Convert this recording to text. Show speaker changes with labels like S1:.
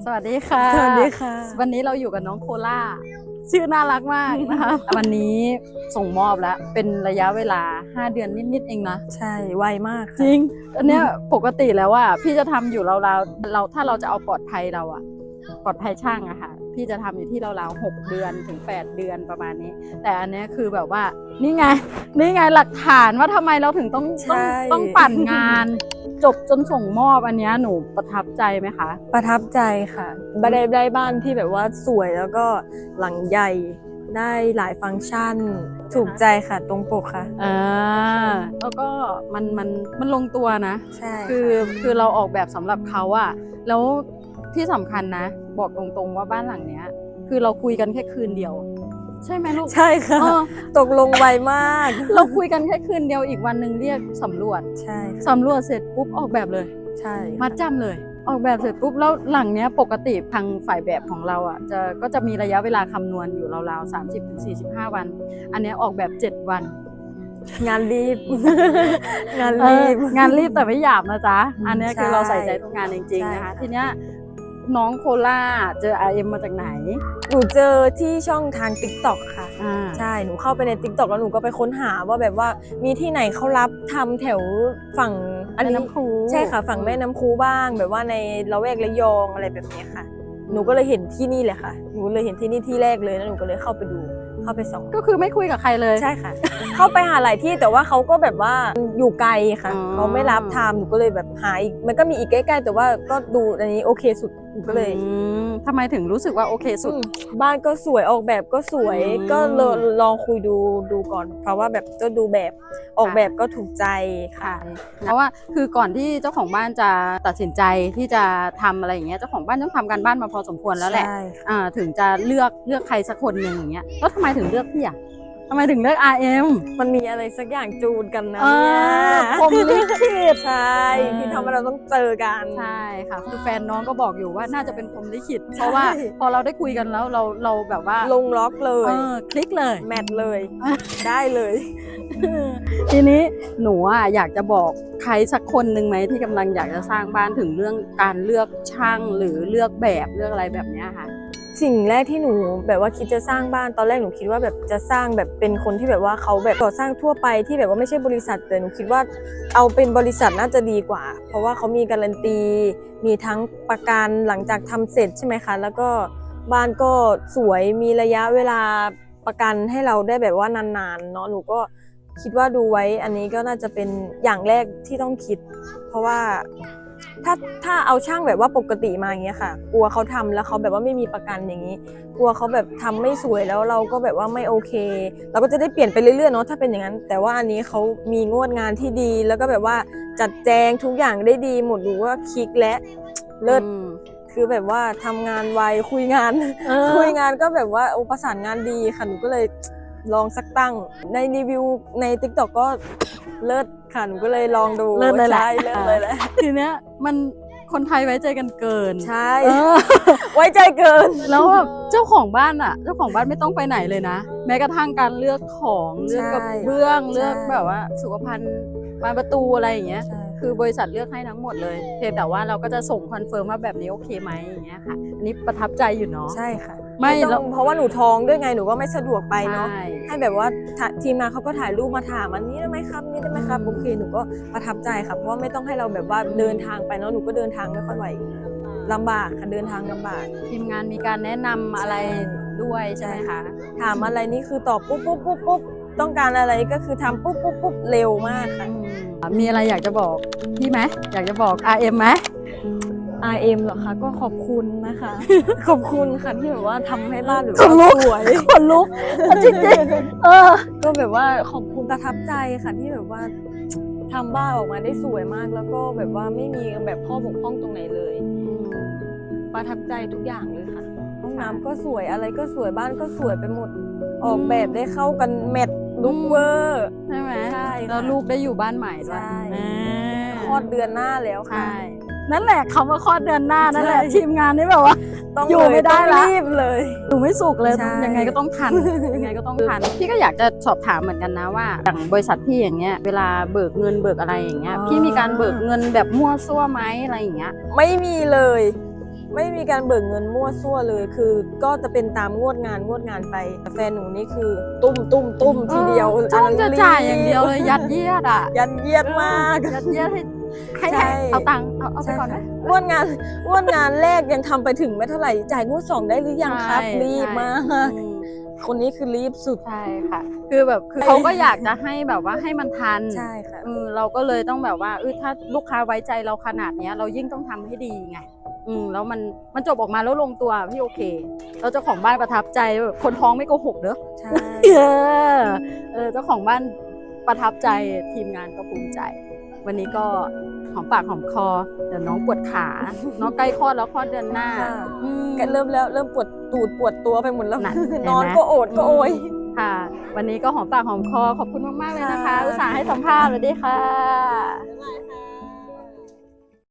S1: สวัสดีค่ะ
S2: สวัสดีค่ะ
S1: วันนี้เราอยู่กับน้องโคล่าชื่อน่ารักมากนะคะ วันนี้ส่งมอบแล้วเป็นระยะเวลา5 เดือนนิดๆเองนะ
S2: ใช่ไวมาก
S1: จริงอันเนี้ยปกติแล้วว่าพี่จะทำอยู่ราวๆเราถ้าเราจะเอาปลอดภัยเราอะปลอดภัยช่างอะค่ะพี่จะทำอยู่ที่ราวๆ6 เดือนถึง8 เดือนประมาณนี้แต่อันเนี้ยคือแบบว่านี่ไงหลักฐานว่าทำไมเราถึงต้องปั่นงานจบจนส่งมอบอันเนี้ยหนูประทับใจไหมคะ
S2: ประทับใจค่ะได้บ้านที่แบบว่าสวยแล้วก็หลังใหญ่ได้หลายฟังก์ชันถูกใจค่ะตรงปกค่ะ
S1: แล้วก็มันลงตัวนะ
S2: ใช่
S1: คือเราออกแบบสำหรับเขาอะแล้วที่สำคัญนะบอกตรงๆว่าบ้านหลังเนี้ยคือเราคุยกันแค่คืนเดียวใช่ไหมลูก
S2: ใช่ค่ะตกลงไวมาก
S1: เราคุยกันแค่คืนเดียวอีกวันหนึ่งเรียกสำรวจ
S2: ใช่
S1: สำรวจเสร็จปุ๊บออกแบบเลย
S2: ใช่
S1: มัดจำเลยออกแบบเสร็จปุ๊บแล้วหลังเนี้ยปกติทางฝ่ายแบบของเราอ่ะก็จะมีระยะเวลาคำนวณอยู่ราวๆ30-45 วันอันเนี้ยออกแบบ7 วัน
S2: งานรีบ งานรีบ
S1: แต่ไม่หยาบนะจ๊ะอันเนี้ยคือเราใส่ใจทุกงานจริงๆนะคะทีเนี้ยน้องโคล่าเจอ RM มาจากไหน
S2: หนูเจอที่ช่องทาง TikTok ค่ะใช่หนูเข้าไปใน TikTok แล้วหนูก็ไปค้นหาว่าแบบว่ามีที่ไหนเขารับทำแถวฝั่ง
S1: อันนี้น้ำคู
S2: ใช่ค่ะฝั่งแม่น้ำคูบ้างแบบว่าในละแวกระยองอะไรแบบนี้ค่ะหนูก็เลยเห็นที่นี่แหละค่ะหนูเลยเห็นที่นี่ที่แรกเลยแล้วหนูก็เลยเข้าไปดูเข้าไปส่อง
S1: ก็คือไม่คุยกับใครเลย
S2: ใช่ค่ะ เข้าไปหาหลายที่แต่ว่าเขาก็แบบว่าอยู่ไกลค่ะเขาไม่รับทำหนูก็เลยแบบหาอีกมันก็มีอีกใกล้ๆแต่ว่าก็ดูอันนี้โอเคสุดหนูก็เลย
S1: ทำไมถึงรู้สึกว่าโอเคสุด
S2: บ้านก็สวยออกแบบก็สวยก็ลองคุยดูก่อนเพราะว่าแบบก็ดูแบบออกแบบก็ถูกใจค่ะ
S1: เพราะว่าคือก่อนที่เจ้าของบ้านจะตัดสินใจที่จะทำอะไรอย่างเงี้ยเจ้าของบ้านต้องทำการบ้านมาพอสมควรแล้วแหละถึงจะเลือกใครสักคนหนึ่งอย่างเงี้ยแล้วทำไมถึงเลือกพี่อ่ะทำไมถึงเลือก RM
S2: มันมีอะไรสักอย่างจูนกันนะเนี่ย
S1: พรหมลิขิต
S2: ใช่ที่ทำให้เราต้องเจอกัน
S1: ใช่ค่ะคือแฟนน้องก็บอกอยู่ว่าน่าจะเป็นพรหมลิขิตเพราะว่าพอเราได้คุยกันแล้วเราแบบว่า
S2: ลงล็อกเลย
S1: คลิกเลย
S2: แมทเลยได้เลย
S1: ทีนี้หนูอยากจะบอกใครสักคนหนึ่งไหมที่กำลังอยากจะสร้างบ้านถึงเรื่องการเลือกช่างหรือเลือกแบบเลือกอะไรแบบนี้ค่ะ
S2: สิ่งแรกที่หนูแบบว่าคิดจะสร้างบ้านตอนแรกหนูคิดว่าแบบจะสร้างแบบเป็นคนที่แบบว่าเขาแบบก่อสร้างทั่วไปที่แบบว่าไม่ใช่บริษัทแต่หนูคิดว่าเอาเป็นบริษัทน่าจะดีกว่าเพราะว่าเขามีการันตีมีทั้งประกันหลังจากทำเสร็จใช่ไหมคะแล้วก็บ้านก็สวยมีระยะเวลาประกันให้เราได้แบบว่านานๆเนาะหนูก็คิดว่าดูไว้อันนี้ก็น่าจะเป็นอย่างแรกที่ต้องคิดเพราะว่าถ้าเอาช่างแบบว่าปกติมาอย่างเงี้ยค่ะกลัวเขาทำแล้วเขาแบบว่าไม่มีประกันอย่างนี้กลัวเขาแบบทำไม่สวยแล้วเราก็แบบว่าไม่โอเคเราก็จะได้เปลี่ยนไปเรื่อยๆเนาะถ้าเป็นอย่างนั้นแต่ว่าอันนี้เขามีงวดงานที่ดีแล้วก็แบบว่าจัดแจงทุกอย่างได้ดีหมดดูว่าคลิกและเลิศคือแบบว่าทำงานไวคุยงานก็แบบว่าประสานงานดีค่ะหนูก็เลยลองสักตั้งในรีวิวใน TikTok ก็เลิศค่ะหนูก็เลยลองดู
S1: เลิศเลยแหละ
S2: เลิศเลยแหละ
S1: ทีเนี้ยมันคนไทยไว้ใจกันเกิน
S2: ใช่ไว้ใจเกิน
S1: แล้วแบบเจ้าของบ้านเจ้าของบ้านไม่ต้องไปไหนเลยนะแม้กระทั่งการเลือกของเลือกกระเบื้องเลือกแบบว่าสุขภัณฑ์บานประตูอะไรอย่างเงี้ยคือบริษัทเลือกให้ทั้งหมดเลยเพียงแต่ว่าเราก็จะส่งคอนเฟิร์มว่าแบบนี้โอเคไหมอย่างเงี้ยค่ะอันนี้ประทับใจอยู่เนาะ
S2: ใช่ค่ะ
S1: ไม่
S2: เพราะว่าหนูท้องด้วยไงหนูก็ไม่สะดวกไปเนาะให้แบบว่าทีมงานเขาก็ถ่ายรูปมาถามอันนี้ได้ไหมครับนี่ได้ไหมครับโอเคหนูก็ประทับใจค่ะเพราะว่าไม่ต้องให้เราแบบว่าเดินทางไปเนาะหนูก็เดินทางไม่ค่อยไหวลำบากค่ะเดินทางลำบาก
S1: ทีมงานมีการแนะนำอะไรด้วยใช่ไหมคะ
S2: ถามอะไรนี่คือตอบปุ๊บต้องการอะไรก็คือทำปุ๊บเร็วมากค่ะ
S1: มีอะไรอยากจะบอกพี่ไหมอยากจะบอก RM ไหม
S2: RM เหรอคะก็ขอบคุณนะคะขอบคุณค่ะที่แบบว่าทำให้บ้านแบบสวย
S1: คนลุกจริง
S2: ก็แบบว่าขอบคุณประทับใจค่ะที่แบบว่าทำบ้านออกมาได้สวยมากแล้วก็แบบว่าไม่มีแบบข้อบกพร่องตรงไหนเลยประทับใจทุกอย่างเลยค่ะห้องน้ำก็สวยอะไรก็สวยบ้านก็สวยไปหมดออกแบบได้เข้ากันแมทลุกเวอร์
S1: ใช่ไหม
S2: ใช่
S1: แล้วลูกได้อยู่บ้านใหม่ด้วย
S2: คลอดเดือนหน้าแล้วค่ะ
S1: นั่นแหละคำว่าคลอดเดือนหน้านั่นแหละทีมงานนี่แบบว่าอยู่ไม่ได้ละ
S2: รีบเลย
S1: อยู่ไม่สุกเลยยังไงก็ต้องทันพี่ก็อยากจะสอบถามเหมือนกันนะว่าอย่างบริษัทพี่อย่างเงี้ยเวลาเบิกเงินเบิกอะไรอย่างเงี้ยพี่มีการเบิกเงินแบบมั่วซั่วไหมอะไรอย่างเงี้ย
S2: ไม่มีเลยไม่มีการเบิกเงินมั่วซั่วเลยคือก็จะเป็นตามงวดงานไปแต่แฟนหนูนี่คือตุ้มทีเดียว
S1: จ้องจะจ่ายอย่างเดียวเลยยัดเยียดอ่ะ
S2: ยันเยียดมาก
S1: ยัดเยียดให้
S2: ใช่
S1: เอาตังค์เอาไปก่อนไหม
S2: งวดงานแรกยังทำไปถึงไม่เท่าไหร่จ่ายงวด2ได้หรือยังครับ
S1: ใช่
S2: รีบมาก
S1: อืม
S2: คนนี้คือรีบสุด
S1: ใช่ค่ะ คือแบบคือเขาก็อยากจะให้แบบว่าให้มันทัน
S2: ใช่ค่ะ
S1: เราก็เลยต้องแบบว่าถ้าลูกค้าไว้ใจเราขนาดเนี้ย เรายิ่งต้องทำให้ดีไงแล้วมันจบออกมาแล้วลงตัวพี่โอเคแล้วเจ้าของบ้านประทับใจแบบคนท้องไม่โกหกเด้อ
S2: ใช่
S1: เจ้าของบ้านประทับใจทีมงานก็ภูมิใจ วันนี้ก็หอมปากหอมคอเดี๋ยวน้องปวดขาน้องใกล้คลอดแล้วคลอดเดือนหน้า
S2: ค่ะ
S1: อืม
S2: ก็เริ่มปวดตูดปวดตัวไปหมดแล้ว
S1: นั่น
S2: นอน
S1: เห็นไหม
S2: ก็โอดก็โอย
S1: ค่ะ วันนี้ก็หอมปากหอมคอขอบคุณมากๆเลยนะคะ
S2: ค่ะ
S1: อุตส่าห์ให้สัมภาษณ์สวัสดีค่ะ